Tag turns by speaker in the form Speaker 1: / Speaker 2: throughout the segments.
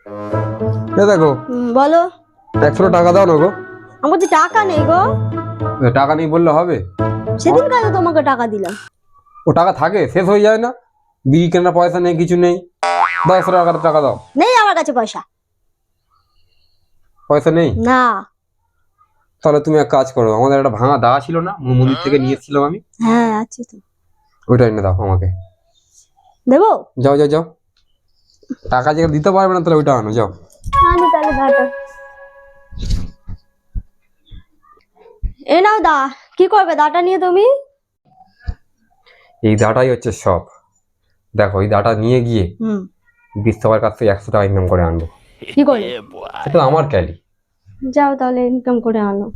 Speaker 1: এ দেখো
Speaker 2: বলো।
Speaker 1: 100 টাকা দাও না গো।
Speaker 2: আমার তো টাকা নেই গো।
Speaker 1: টাকা নেই বললে হবে?
Speaker 2: সেদিন কাজে তোমাকে টাকা দিলাম।
Speaker 1: ও টাকা থাকে, শেষ হয়ে যায় না? বিড়ি কেনার পয়সা নেই, কিছু নেই। 10 টাকা টাকা দাও।
Speaker 2: নেই আমার কাছে পয়সা।
Speaker 1: পয়সা নেই?
Speaker 2: না।
Speaker 1: তাহলে তুমি এক কাজ করো, আমাদের একটা ভাঙা দা ছিল না, মন্দির থেকে নিয়ে এসেছিলাম আমি।
Speaker 2: হ্যাঁ আছে তো।
Speaker 1: ওইটা এনে দাও আমাকে।
Speaker 2: দেবো?
Speaker 1: যাও যাও যাও, টাকা যেটা দিতে পারবে না তাহলে ওইটা আনো, যাও।
Speaker 2: আনি তাহলে দাটা। এ নাও দা। কি করবে দাটা নিয়ে তুমি?
Speaker 1: এই দাটাই হচ্ছে সব। দেখো এই দাটা নিয়ে গিয়ে বিশ্বকার কাছ থেকে 100 টাকা ইনকাম করে আনবো।
Speaker 2: কি করে?
Speaker 1: এটা আমার ক্যালি।
Speaker 2: যাও তাহলে ইনকাম করে আনো।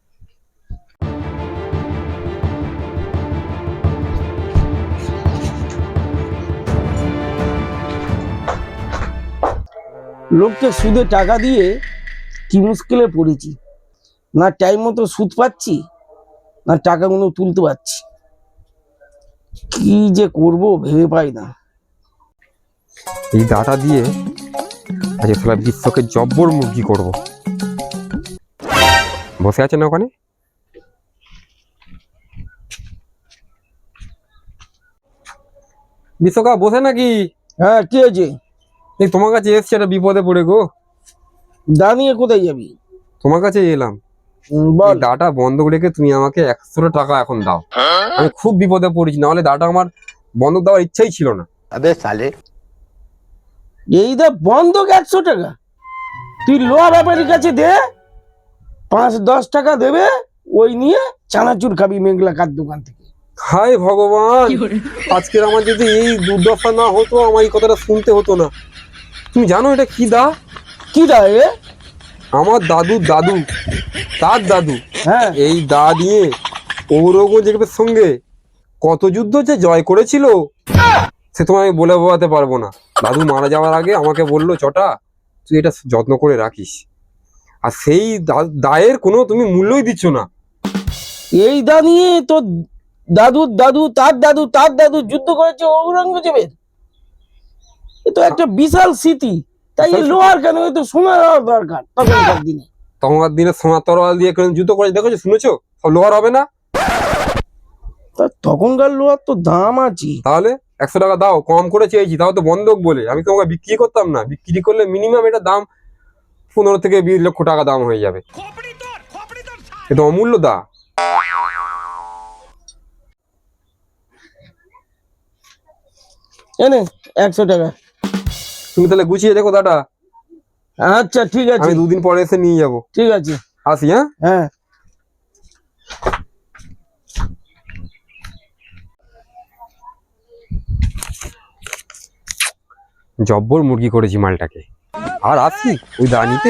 Speaker 3: লোককে সুদে টাকা দিয়ে কি মুশকিলে পড়েছি, না টাইম মতো সুদ পাচ্ছি না টাকাগুলো তুলতে পারছি। কি যে করব ভেবে পাই না।
Speaker 1: এই দাটা দিয়ে আজ সারা বিশ্বকে জব্বর মুরগি করব। বসে আছে না ওখানে? বিশ্বকাপ বসে নাকি?
Speaker 3: হ্যাঁ কি হয়েছে?
Speaker 1: এই তোমার কাছে এসছে, একটা বিপদে পড়ে গো।
Speaker 3: দা নিয়ে কোথায় যাবি?
Speaker 1: তোমার কাছে এলাম।
Speaker 3: বল।
Speaker 1: দাটা বন্ধক রেখে তুমি আমাকে 100 টাকা এখন দাও। আমি খুব বিপদে পড়েছি, নাহলে দাটা আমার বন্ধক দেওয়ার ইচ্ছাই ছিল না।
Speaker 4: अबे साले
Speaker 3: এই দা বন্ধক 100 টাকা? তুই লোয়া ব্যাপারীর কাছে দে, 5-10 টাকা দেবে, ওই নিয়ে চানাচুর খাবি মেঘলা কার দোকান থেকে।
Speaker 1: হায় ভগবান, আজকের আমার যদি এই দুর্দশা না হতো, আমার এই কথাটা শুনতে হতো না। তুমি জানো এটা কি দা?
Speaker 3: কি দা এ?
Speaker 1: আমার দাদু দাদু তার দাদু
Speaker 3: হ্যাঁ
Speaker 1: এই দা দিয়ে ঔরঙ্গজেবের সঙ্গে কত যুদ্ধ যে জয় করেছিল সে তোমায় আমি বলে বোঝাতে পারবো না। দাদু মারা যাওয়ার আগে আমাকে বললো, চটা তুই এটা যত্ন করে রাখিস। আর সেই দায়ের কোনো তুমি মূল্যই দিচ্ছ না।
Speaker 3: এই দা নিয়ে তো দাদুর দাদু তার দাদু তার দাদু যুদ্ধ করেছে ঔরঙ্গজেবের। এ তো একটা বিশাল স্মৃতি। তাই এই লোহার কেন, এ তো সোনার হওয়ার দরকার তখনকার দিনে।
Speaker 1: তখনকার দিনে সোনার তরোয়াল দিয়ে কেউ যুদ্ধ করে দেখেছো, শুনেছো? সব লোহার হবে না?
Speaker 3: তা তখনকার লোহার তো দাম আছে।
Speaker 1: তাহলে 100 টাকা দাও, কম করে চেয়েছি, তাও তো বন্ধক বলে। আমি তোমাকে বিক্রি করতাম না? বিক্রি করলে মিনিমাম এটা দাম 15 থেকে 20 লক্ষ টাকা দাম হয়ে যাবে। এটা অমূল্য দা।
Speaker 3: এনে 100 টাকা।
Speaker 1: তুমি তাহলে গুছিয়ে দেখো দাটা।
Speaker 3: আচ্ছা ঠিক আছে,
Speaker 1: আমি 2 দিন পরে এসে নিয়ে যাবো।
Speaker 3: ঠিক আছে।
Speaker 1: আসি, হ্যাঁ?
Speaker 3: হ্যাঁ
Speaker 1: জব্বর মুরগি করেছি মালটাকে। আর আসি ওই দা নিতে।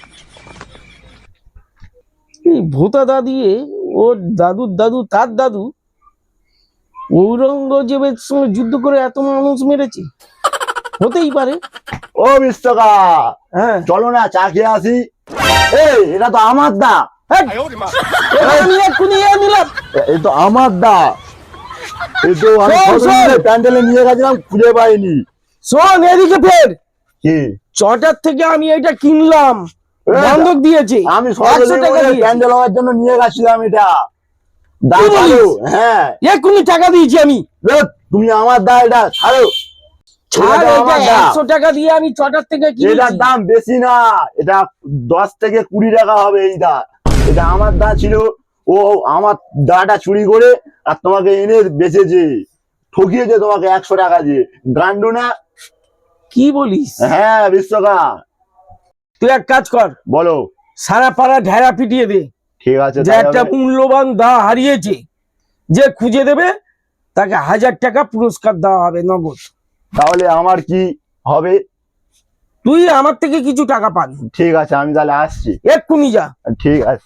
Speaker 3: এই ভোতা দা দিয়ে ওর দাদুর দাদু তার দাদু ঔরঙ্গজেবের সঙ্গে যুদ্ধ করে এত মানুষ মেরেছে, হতেই পারে।
Speaker 4: ও বিশ্বকা,
Speaker 3: হ্যাঁ
Speaker 4: চলো না চা খেয়ে আসি। এই এটা তো আমার দা।
Speaker 3: হ্যাঁ, আমি এক্ষুনি এ নিলাম।
Speaker 4: এই তো আমার দা। এই তো আমি
Speaker 3: শোন,
Speaker 4: ছোট
Speaker 3: শোন।
Speaker 4: প্যান্ডেলে নিয়ে গেছিলাম, খুঁজে পাইনি।
Speaker 3: শোন এদিকে ফের।
Speaker 4: কি?
Speaker 3: চটার থেকে আমি এটা কিনলাম, বন্ধক দিয়েছি।
Speaker 4: আমি
Speaker 3: 100 টাকা দিয়েছি।
Speaker 4: প্যান্ডেল হওয়ার জন্য নিয়ে গেছিলাম এটা। দা
Speaker 3: কি বলিস?
Speaker 4: ছাড়ো। হ্যাঁ
Speaker 3: এক্ষুনি টাকা দিয়েছি আমি।
Speaker 4: ধুৎ, তুমি আমার দা, এটা ছাড়ো।
Speaker 3: ছাড়,
Speaker 4: এটা
Speaker 3: এটা
Speaker 4: আমার দা।
Speaker 3: 100 টাকা দিয়ে আমি চটার থেকে
Speaker 4: এটার
Speaker 3: কিনেছি।
Speaker 4: দাম বেশি না, এটা 10 থেকে 20 টাকা হবে এই দা। এটা আমার দা ছিল, ও আমার দাটা চুরি করে আর তোমাকে এনে বেচেছে, ঠকিয়েছে তোমাকে 100 টাকা দিয়ে। গান্ডু না?
Speaker 3: কি বলিস?
Speaker 4: হ্যাঁ বিশ্বকা।
Speaker 3: তুই এক কাজ কর,
Speaker 4: বলো।
Speaker 3: সারা পাড়া ঢেরা পিটিয়ে দে
Speaker 4: ঠিক আছে,
Speaker 3: যে
Speaker 4: তাই
Speaker 3: একটা
Speaker 4: হবে।
Speaker 3: মূল্যবান দা হারিয়েছে। যে খুঁজে দেবে তাকে 1000 টাকা পুরস্কার দেওয়া হবে নগদ।
Speaker 4: তাহলে আমার কি হবে?
Speaker 3: তুই আমার থেকে কিছু টাকা পাবি।
Speaker 4: ঠিক আছে, আমি তাহলে আসছি।
Speaker 3: এক্ষুনি যা।
Speaker 4: ঠিক আছে।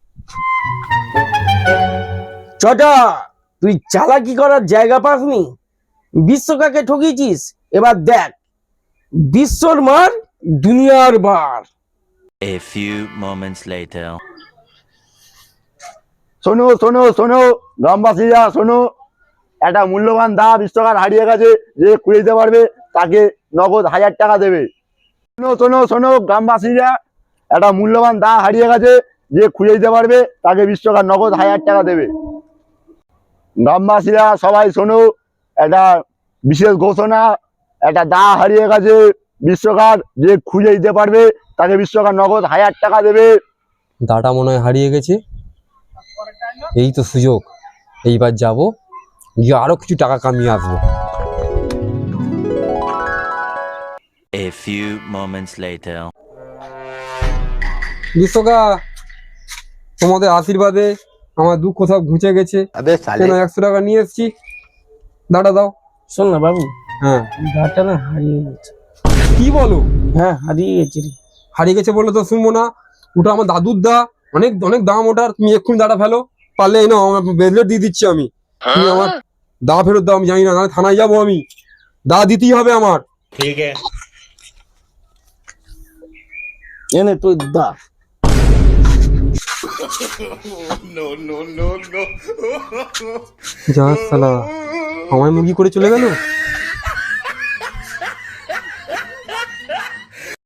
Speaker 3: চটা, তুই চালাকি করার জায়গা পাসনি, বিশ্বকাকে ঠকিয়েছিস। এবার দেখ বিশ্বর মার দুনিয়ার বার।
Speaker 5: A few moments later.
Speaker 4: শোনো শোনো শোনো গ্রামবাসীরা, শোনো। একটা মূল্যবান দা বিশ্বকার হারিয়ে গেছে, যে খুঁজে দিতে পারবে তাকে নগদ 1000 টাকা দেবে। শোনো শোনো শোনো গ্রামবাসীরা, একটা মূল্যবান দা হারিয়ে গেছে, যে খুঁজে দিতে পারবে তাকে 20 টাকা নগদ 1000 টাকা দেবে। গ্রামবাসীরা সবাই শোনো, একটা বিশেষ ঘোষণা, একটা দা হারিয়ে গেছে 20 টাকার, যে খুঁজে দিতে পারবে তাকে 20 টাকা নগদ 1000 টাকা দেবে।
Speaker 1: দাটা মনে হয় হারিয়ে গেছে, এই তো সুযোগ, এইবার যাব, গিয়ে আরো কিছু টাকা কামিয়ে আসবো।
Speaker 5: A few moments later.
Speaker 1: বিশ্বকা, তোমাদের আশীর্বাদে আমার দুঃখ সব ঘুচে গেছে। কেন 100 টাকা নিয়ে এসছি, দাটা দাও।
Speaker 3: শোন না বাবু,
Speaker 1: হ্যাঁ,
Speaker 3: দাটা না হারিয়ে গেছে।
Speaker 1: কি বলো?
Speaker 3: হ্যাঁ, হারিয়ে গেছে রে।
Speaker 1: হারিয়ে গেছে বললে তো শুনবো না, ওটা আমার দাদুর দা, অনেক অনেক দাম ওটার। তুমি এক্ষুনি দাটা ফেলো, পারলে এই নাও, আমার ব্রেসলেট দিয়ে দিচ্ছি আমি। তুমি আমার দা ফেরত দাও, আমি জানি না, নাহলে থানায় যাবো আমি। দা দিতেই হবে আমার।
Speaker 3: এনে তুই দা।
Speaker 1: যা সালা, আমায় মুরগি করে চলে গেল।